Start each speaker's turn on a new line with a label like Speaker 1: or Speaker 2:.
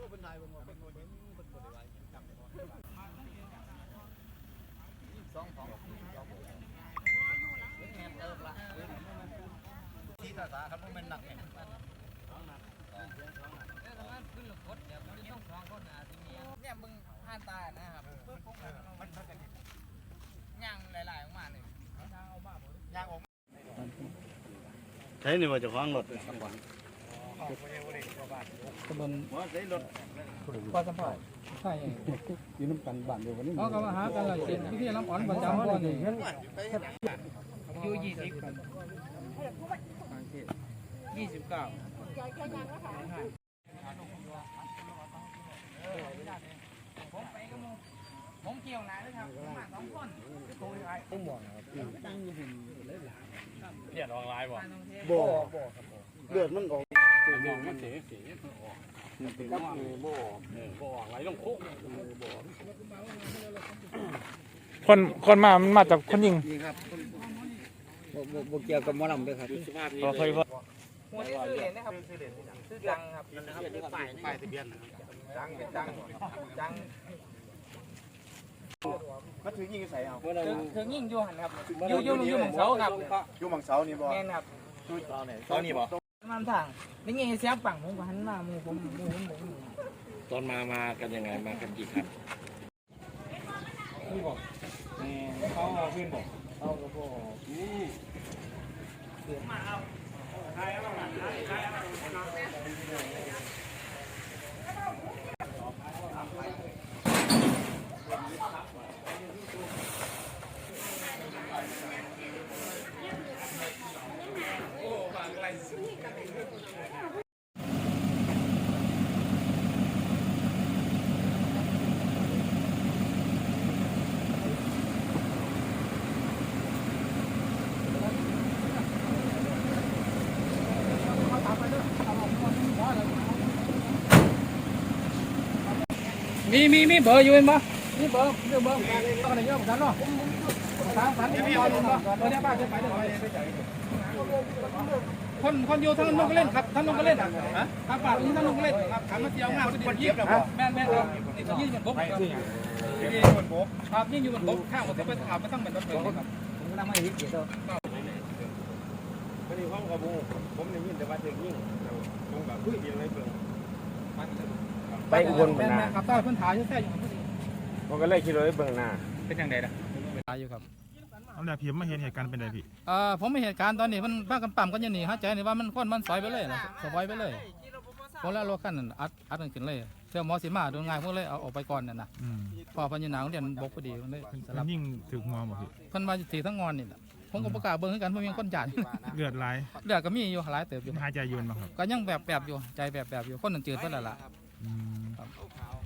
Speaker 1: ที่ภาษาครับมันหนักเนี่ย
Speaker 2: เนี่ยมึงผ่านตานะครับย่างหลายๆออกมาเลยย่างออก
Speaker 1: ใช้นี่ว่าจะคว้างรถ
Speaker 3: ตำบลปอสัมผัสใช่ยืนน้ำกันบ้านเดียวกันนี่เขาก็มาหากันเลยเป็นพิธีน้ำอ่อนประจำวันนี้อยู่29ผมเกี่ยวไหนเลยครับมา2คนผมบอกครับตั้งอยู่หุ่นเลยหลายเลือดออกลายบ่ครับเลือดมันออกมันเสียบ่ไหลลงคุก
Speaker 4: คนมามันมาจากคนยิง
Speaker 3: ครับบ่เกี่ยวกับหมอลำด้วยครับ
Speaker 4: เคยพอ
Speaker 2: หัวที่ซื้อเหรียญนะครับซื้อจังครับป้ายทะเบียนจังเป็นจัง
Speaker 1: มาถึงยิงใส่เอา
Speaker 2: ถึงยิ่งอยู่หันครับอยู่หม่องเสาครับ
Speaker 1: อยู่หม่องเสานี่บ่
Speaker 2: แม่นครับ
Speaker 1: เสานี่บ่
Speaker 2: มันทางนี่ไงเสียงปังผมก็หันมามือผม
Speaker 4: ตอนมากันยังไงมากันกี่คัน
Speaker 3: นี่บอกเขาเพื่อนบอกเขาก็บอกมีเบอร์อยู่มั้ยมีเบอร์ต้องอะไรเยอะเหมือนกันเนาะ3,000มีเบอร์อยู่เนาะเบอร์ได้ป้าจะไปได้คนอยู่ทั้งนู้นก็เล่นครับทั้งนู้นก็เล่นครับป้าอยู่ทั้งนู้นก็เล่นครับถามมาเที่ยวงานคนเยี่ยมแม่ครับนี่ก็ยิ่งบนบกครับยิ่งอยู่บนบกข้างผมไปถามมาตั้งเป็นรถเลยครับผมกำลังมาอีกเดี๋ยว
Speaker 1: วันนี้ห้องกระบุผมได้ยินแต่ว่าถึงยิ่งผมกับคุยกันเลยเพิ่งไปอุบลเป็นนา
Speaker 3: ครับใต้พื้นฐานอยู่แท้อยู่
Speaker 1: ผมก็เลยคิดเลยเบิ่งหน้า
Speaker 3: เป็นยังไงล่ะตายอยู่ครับ
Speaker 4: เอาแต่พี่มาเห็นเหตุการณ์เป็นไรพี่
Speaker 3: ผมไม่เหตุการณ์ตอนนี้มันพากันปั๊มกันอย่างนี้ฮะใจนี่ว่ามันค้นมันสอยไปเลยนะสบายไปเลยพอแล้วรถขั้นอัดกันขึ้นเลยเที่ยวมอสีมาโดนง่ายพวกเลยเอาออกไปก่อนน่ะนะพอพันยาหนาวเรียนบกพอดีมันเลย
Speaker 4: สลับยิ่งถึงงอหมดพี่
Speaker 3: พันมาถีทั้งงอนนี่แหละผมก็ประกาศเบิ้งให้กันเพราะมีคนจ่าย
Speaker 4: เลือดไหล
Speaker 3: เลือดก็มีอยู่หลายเติบอยู่
Speaker 4: หายใจยืนมาครับ
Speaker 3: ก็ยังแบบอยู่ใจแบบอยู่คนหนึ่งจืดเพื่อนละ